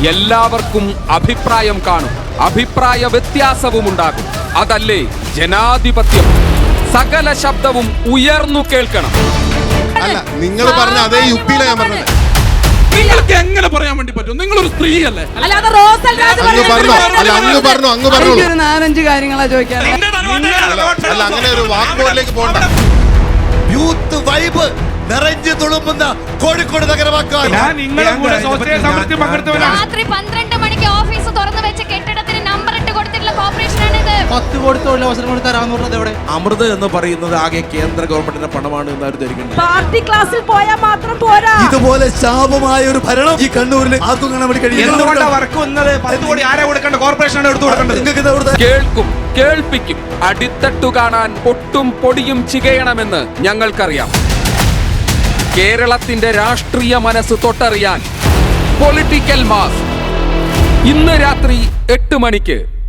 എല്ലാവർക്കും അഭിപ്രായം കാണും, അഭിപ്രായ വ്യത്യാസവും ഉണ്ടാകും. അതല്ലേ ജനാധിപത്യം. സകല ശബ്ദവും ഉയർന്നു കേൾക്കണം. അല്ല, നിങ്ങൾ പറഞ്ഞ അതേ യുക്തിയിലാണ് ഞാൻ പറഞ്ഞത്. നിങ്ങൾക്ക് എങ്ങനെ പറയാൻ വേണ്ടി പറ്റും? നിങ്ങളൊരു സ്ത്രീയല്ലേ? അങ്ങ് പറഞ്ഞു. 4-5 കാര്യങ്ങളാ ചോദിക്കാൻ. അല്ല, അങ്ങനെ ഒരു വാക്കുകളിലേക്ക് പോകണ്ട. യൂത്ത് വൈബ് നിറഞ്ഞു തുളുമ്പുന്ന കോഴിക്കോട് നഗരമാക്കാൻ രാത്രി 12 മണിക്ക് ഓഫീസ് തുറന്നു വെച്ച കെട്ടിടത്തിന് നമ്പർ ഇട്ട് കൊടുത്തിട്ടുള്ള കോർപ്പറേഷനാണ് ഇത്. 10 കോടി തൊഴിലവസരം കൊടുത്താൽ 600 എവിടെ? അമൃത് എന്ന് പറയുന്നത് ആകെ കേന്ദ്ര ഗവൺമെന്റിന്റെ പണമാണ് എന്ന് അവർ ധരിക്കുന്നത്. പാർട്ടി ക്ലാസ്സിൽ പോയാൽ മാത്രം പോരാ. ഇതുപോലെ ശാപമായ ഒരു ഭരണം ഈ കണ്ണൂരിൽ ആർക്കും കാണാൻ വേണ്ടി കഴിയും. 10 കോടി ആരെ കൊടുക്കേണ്ട? കോർപ്പറേഷനാണ് എടുത്തു കൊടുക്കേണ്ടത്. കേൾക്കും, കേൾപ്പിക്കും. അടിത്തട്ടു കാണാൻ പൊട്ടും പൊടിയും ചികയണമെന്ന് ഞങ്ങൾക്കറിയാം. കേരളത്തിന്റെ രാഷ്ട്രീയ മനസ്സ് തൊട്ടറിയാൻ പൊളിറ്റിക്കൽ മാസ് ഇന്ന് രാത്രി 8 മണിക്ക്.